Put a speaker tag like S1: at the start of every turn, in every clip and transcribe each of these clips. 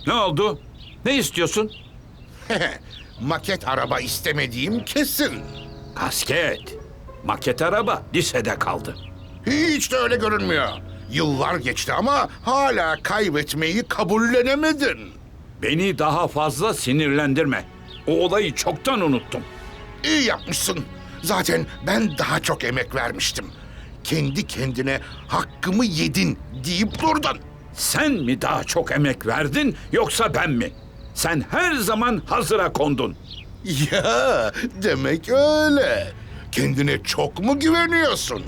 S1: Ne oldu? Ne istiyorsun?
S2: Maket araba istemediğim kesin.
S1: Kasket. Maket araba lisede kaldı.
S2: Hiç de öyle görünmüyor. Yıllar geçti ama hala kaybetmeyi kabullenemedin.
S1: Beni daha fazla sinirlendirme. O olayı çoktan unuttum.
S2: İyi yapmışsın. Zaten ben daha çok emek vermiştim. Kendi kendine hakkımı yedin deyip durdun.
S1: Sen mi daha çok emek verdin yoksa ben mi? Sen her zaman hazıra kondun.
S2: Ya demek öyle. Kendine çok mu güveniyorsun?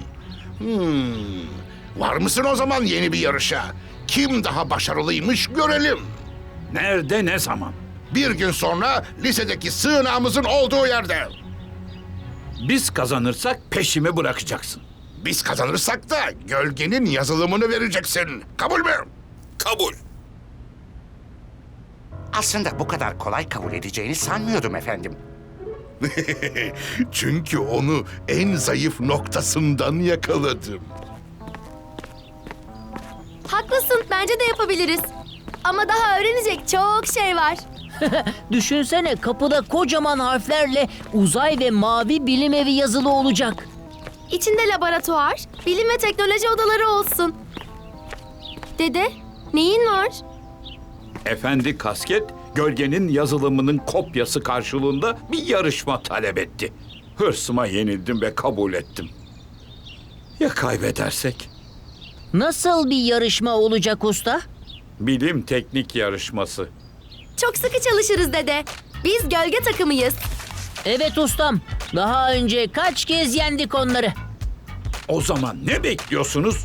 S2: Var mısın o zaman yeni bir yarışa? Kim daha başarılıymış görelim.
S1: Nerede, ne zaman?
S2: Bir gün sonra lisedeki sığınağımızın olduğu yerde.
S1: Biz kazanırsak peşimi bırakacaksın.
S2: Biz kazanırsak da gölgenin yazılımını vereceksin. Kabul mü?
S1: Kabul.
S3: Aslında bu kadar kolay kabul edeceğini sanmıyordum efendim.
S2: Çünkü onu en zayıf noktasından yakaladım.
S4: Haklısın, bence de yapabiliriz. Ama daha öğrenecek çok şey var.
S5: Düşünsene kapıda kocaman harflerle uzay ve mavi bilim evi yazılı olacak.
S4: İçinde laboratuvar, bilim ve teknoloji odaları olsun. Dede, neyin var?
S1: Efendi Kasket, gölgenin yazılımının kopyası karşılığında bir yarışma talep etti. Hırsıma yenildim ve kabul ettim. Ya kaybedersek?
S5: Nasıl bir yarışma olacak usta?
S1: Bilim teknik yarışması.
S4: Çok sıkı çalışırız dede. Biz gölge takımıyız.
S5: Evet ustam. Daha önce kaç kez yendik onları.
S1: O zaman ne bekliyorsunuz?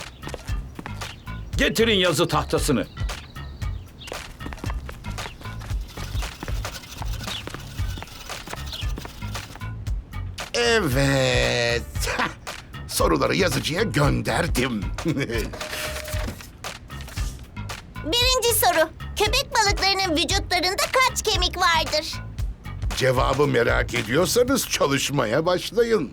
S1: Getirin yazı tahtasını.
S2: Evet. Soruları yazıcıya gönderdim.
S6: Birinci soru. Köpek balıklarının vücutlarında kaç kemik vardır?
S2: Cevabı merak ediyorsanız çalışmaya başlayın.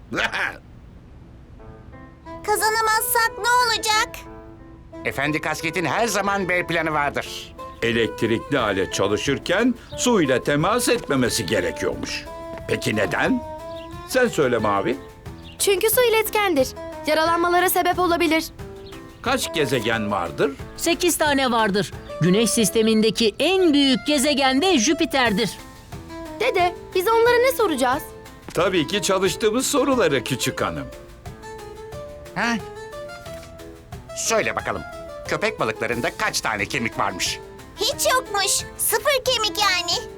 S6: Kazanamazsak ne olacak?
S3: Efendi Kasket'in her zaman B planı vardır.
S1: Elektrikli alet çalışırken su ile temas etmemesi gerekiyormuş. Peki neden? Sen söyle Mavi.
S4: Çünkü su iletkendir. Yaralanmalara sebep olabilir.
S1: Kaç gezegen vardır?
S5: 8 tane vardır. Güneş sistemindeki en büyük gezegen de Jüpiter'dir.
S4: Dede, biz onlara ne soracağız?
S1: Tabii ki çalıştığımız soruları küçük hanım.
S3: Ha? Söyle bakalım. Köpek balıklarında kaç tane kemik varmış?
S6: Hiç yokmuş. Sıfır kemik yani.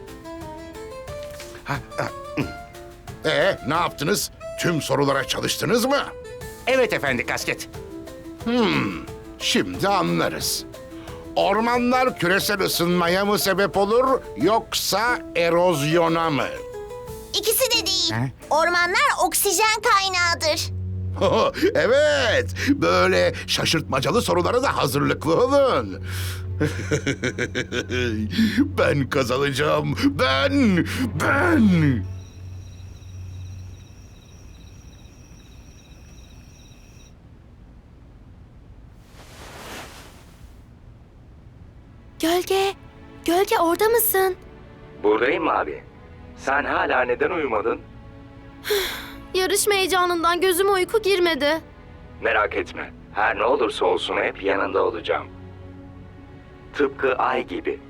S2: Ne yaptınız? Tüm sorulara çalıştınız mı?
S3: Evet efendi Kasket.
S2: Şimdi anlarız. Ormanlar küresel ısınmaya mı sebep olur yoksa erozyona mı?
S6: İkisi de değil.
S3: Ha?
S6: Ormanlar oksijen kaynağıdır.
S2: Evet, böyle şaşırtmacalı sorulara da hazırlıklı olun. Ben kazanacağım. Ben.
S4: Gölge orada mısın?
S7: Buradayım abi. Sen hala neden uyumadın?
S4: Yarışma heyecanından gözüme uyku girmedi.
S7: Merak etme. Her ne olursa olsun hep yanında olacağım. Tıpkı ay gibi.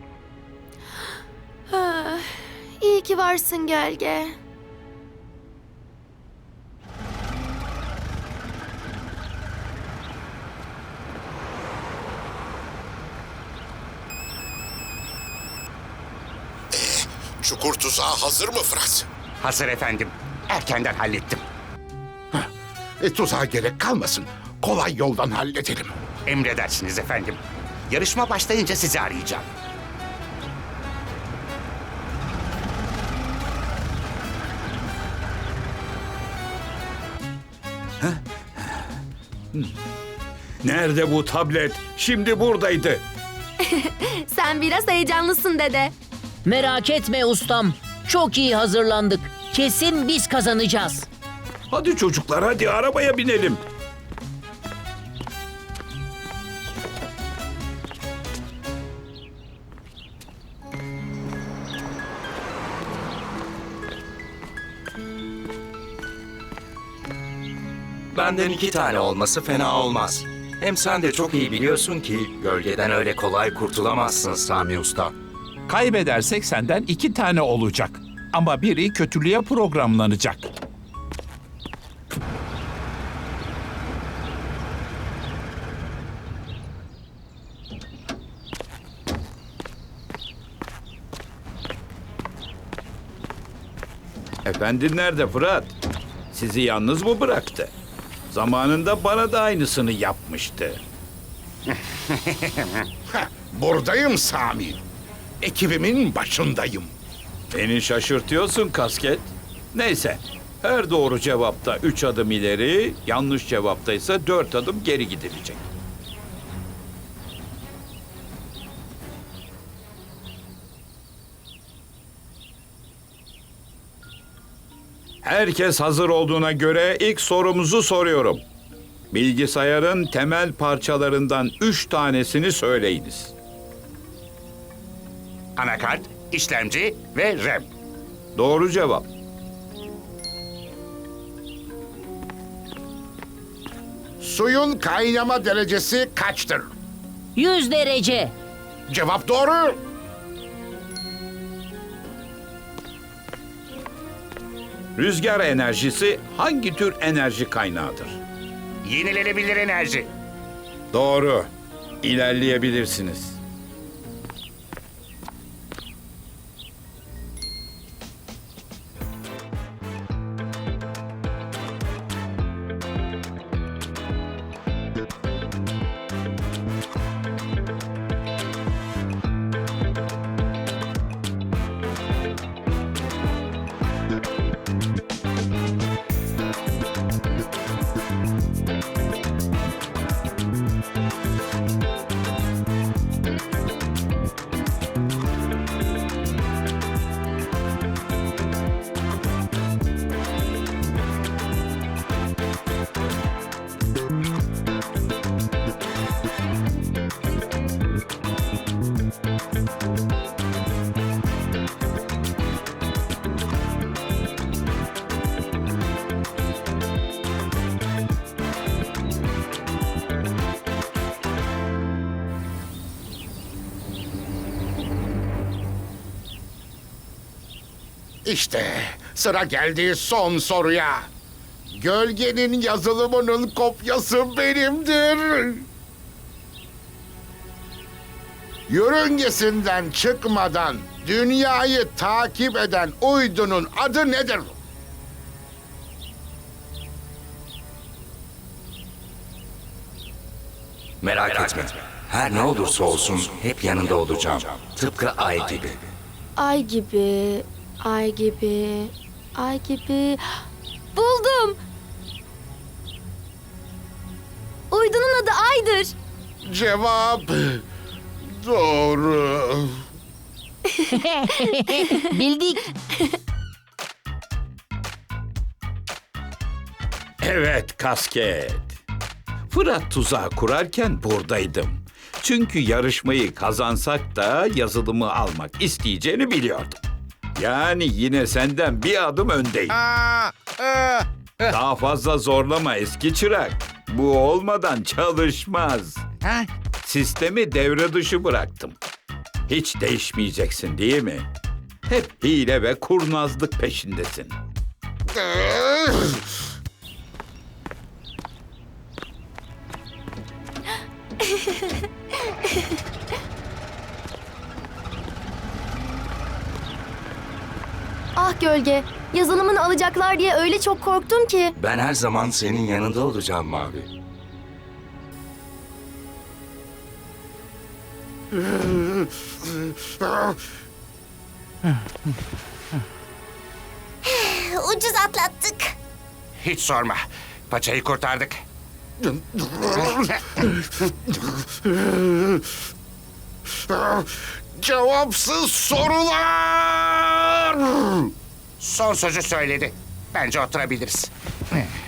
S4: İyi ki varsın Gölge.
S2: Çukur tuzağı hazır mı Fırat?
S3: Hazır efendim. Erkenden hallettim.
S2: Tuzağa gerek kalmasın. Kolay yoldan halledelim.
S3: Emredersiniz efendim. Yarışma başlayınca sizi arayacağım.
S1: Nerede bu tablet? Şimdi buradaydı.
S4: Sen biraz heyecanlısın dede.
S5: Merak etme ustam. Çok iyi hazırlandık. Kesin biz kazanacağız.
S1: Hadi çocuklar, hadi arabaya binelim.
S7: Benden 2 tane olması fena olmaz. Hem sen de çok iyi biliyorsun ki gölgeden öyle kolay kurtulamazsın Sami Usta.
S8: Kaybedersek senden 2 tane olacak. Ama biri kötülüğe programlanacak.
S1: Efendin nerede Fırat? Sizi yalnız mı bıraktı? Zamanında bana da aynısını yapmıştı.
S2: Buradayım Sami. Ekibimin başındayım.
S1: Beni şaşırtıyorsun kasket. Neyse, her doğru cevapta 3 adım ileri, yanlış cevapta ise 4 adım geri gidilecek. Herkes hazır olduğuna göre ilk sorumuzu soruyorum. Bilgisayarın temel parçalarından 3 tanesini söyleyiniz.
S3: Anakart, işlemci ve RAM.
S1: Doğru cevap.
S2: Suyun kaynama derecesi kaçtır?
S5: 100 derece.
S2: Cevap doğru.
S1: Rüzgar enerjisi hangi tür enerji kaynağıdır?
S3: Yenilenebilir enerji.
S1: Doğru. İlerleyebilirsiniz.
S2: İşte sıra geldi son soruya. Gölgenin yazılımının kopyası benimdir. Yörüngesinden çıkmadan dünyayı takip eden uydunun adı nedir?
S7: Merak etme. Her ne olursa olsun hep yanında olacağım. Tıpkı ay gibi.
S4: Ay gibi, ay gibi, ay gibi. Buldum. Uydunun adı Ay'dır.
S2: Cevap doğru.
S5: Bildik.
S1: Evet kasket. Fırat tuzağı kurarken buradaydım. Çünkü yarışmayı kazansak da yazılımı almak isteyeceğini biliyordum. Yani yine senden bir adım öndeyim. Daha fazla zorlama eski çırak. Bu olmadan çalışmaz. Sistemi devre dışı bıraktım. Hiç değişmeyeceksin değil mi? Hep hile ve kurnazlık peşindesin.
S4: Ah gölge, yazılımını alacaklar diye öyle çok korktum ki.
S7: Ben her zaman senin yanında olacağım Mavi.
S6: Ucuz atlattık.
S3: Hiç sorma. Paçayı kurtardık.
S2: Cevapsız sorular.
S3: Son sözü söyledi. Bence oturabiliriz.